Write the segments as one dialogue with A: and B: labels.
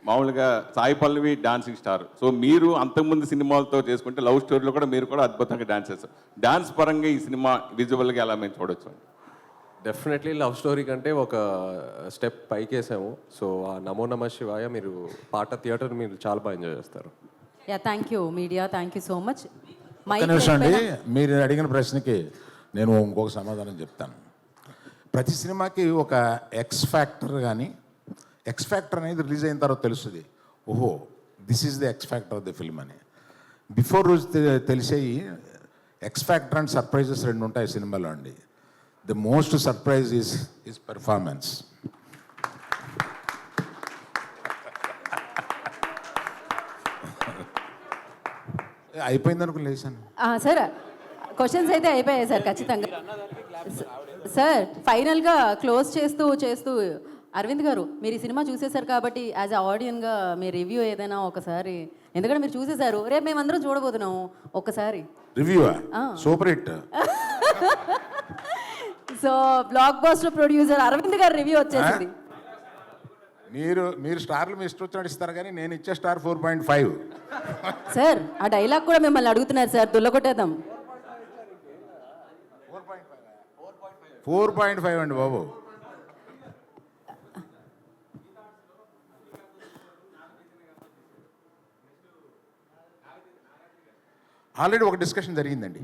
A: మామూలుగా Sai Pallavi dancing star. So మీరు అంతకుముందు సినిమాలతో చేసుకుంటే లవ్ స్టోరీలో కూడా మీరు కూడా అద్భుతంగా డాన్స్ చేస్తారు. డాన్స్ పరంగా ఈ సినిమా విజువల్గా ఎలా మేము చూడొచ్చు?
B: డెఫినెట్లీ లవ్ స్టోరీ కంటే ఒక స్టెప్ పైకేసాము. సో ఆ నమో నమ శివాయ మీరు పాట థియేటర్ మీరు చాలా బాగా ఎంజాయ్ చేస్తారు.
C: Yeah thank you media, thank you so much.
D: ఒక్క నిమిషం అండి, మీరు అడిగిన ప్రశ్నకి నేను ఇంకొక సమాధానం చెప్తాను. ప్రతి సినిమాకి ఒక ఎక్స్ ఫ్యాక్టర్ కానీ, ఎక్స్ ఫ్యాక్టర్ అనేది రిలీజ్ అయిన తర్వాత తెలుస్తుంది, ఓహో this is the X factor of the film అని. బిఫోర్ రోజు తెలిసేవి ఎక్స్ ఫ్యాక్టర్ అండ్ సర్ప్రైజెస్ రెండు ఉంటాయి సినిమాలో అండి. The most surprise is performance. అయిపోయింది అనుకుని లేచాను.
C: సార్ క్వశ్చన్స్ అయితే అయిపోయాయి సార్ ఖచ్చితంగా. సార్ ఫైనల్గా క్లోజ్ చేస్తూ చేస్తూ అరవింద్ గారు, మీరు ఈ సినిమా చూసేశారు కాబట్టి యాజ్ అ ఆడియన్గా మీ రివ్యూ ఏదైనా ఒకసారి, ఎందుకంటే మీరు చూసేశారు, రేపు మేమందరం చూడబోతున్నాము, ఒక్కసారి
D: review super hit.
C: So blockbuster producer Aravind గారు రివ్యూ వచ్చేసింది.
D: మీరు స్టార్లు మీ ఇష్టం వచ్చినట్టు ఇస్తారు, కానీ నేను ఇచ్చే స్టార్ 4.5.
C: సార్ ఆ డైలాగ్ కూడా మిమ్మల్ని అడుగుతున్నారు సార్, దుల్లగొట్టేద్దాం.
D: 4.5 అండి బాబు. ఆల్రెడీ ఒక డిస్కషన్ జరిగింది.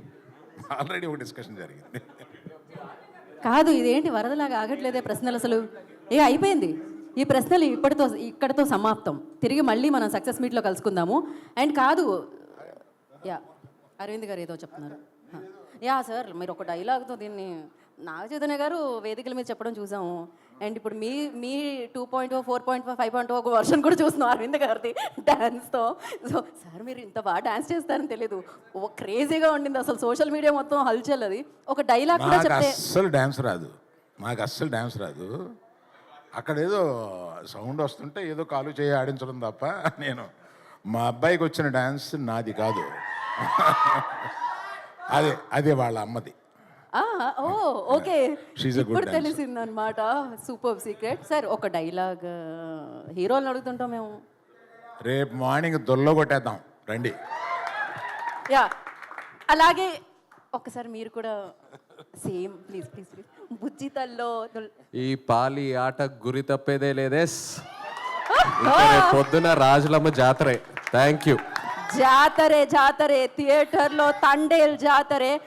C: కాదు ఇదేంటి వరదలాగా ఆగట్లేదే ప్రశ్నలు అసలు. అయిపోయింది ఈ ప్రశ్నలు ఇక్కడితో సమాప్తం. తిరిగి మళ్ళీ మనం సక్సెస్ మీట్లో కలుసుకుందాము. అండ్ కాదు, యా అరవింద్ గారు ఏదో చెప్తున్నారు. యా సార్ మీరు ఒక డైలాగ్తో దీన్ని నాగ చైతన్య గారు వేదికల మీద చెప్పడం చూసాము. అండ్ ఇప్పుడు మీ 2.0, 4.5, 5.0 ఒక వర్షన్ కూడా చూస్తున్నాం అరవింద్ గారిది డ్యాన్స్తో. సో సార్ మీరు ఇంత బాగా డ్యాన్స్ చేస్తారని తెలియదు, ఓ క్రేజీగా ఉండింది అసలు, సోషల్ మీడియా మొత్తం హల్చల్. అది ఒక డైలాగ్ కూడా చెప్తే
D: అస్సలు డ్యాన్స్ రాదు. అక్కడ ఏదో సౌండ్ వస్తుంటే ఏదో కాలు చేయి ఆడించడం తప్ప, నేను మా అబ్బాయికి వచ్చిన డ్యాన్స్ నాది కాదు, అదే వాళ్ళ అమ్మది.
C: ఓ ఓకే, ఇప్పుడు తెలిసింది అనమాట. Super secret. సార్ ఒక డైలాగ్ హీరోలను అడుగుతుంటాం మేము.
D: రేపు మార్నింగ్ దొల్లో కొట్టేద్దాం రండి.
C: యా అలాగే ఒకసారి మీరు కూడా సేమ్ ప్లీజ్ ప్లీజ్ ప్లీజ్. బుజ్జితల్లో
B: ఈ పాలి ఆట గురి తప్పేదే లేదేస్. పొద్దున రాజులమ్మ జాతరే. Thank you.
C: జాతరే థియేటర్లో తండేల్ జాతరే.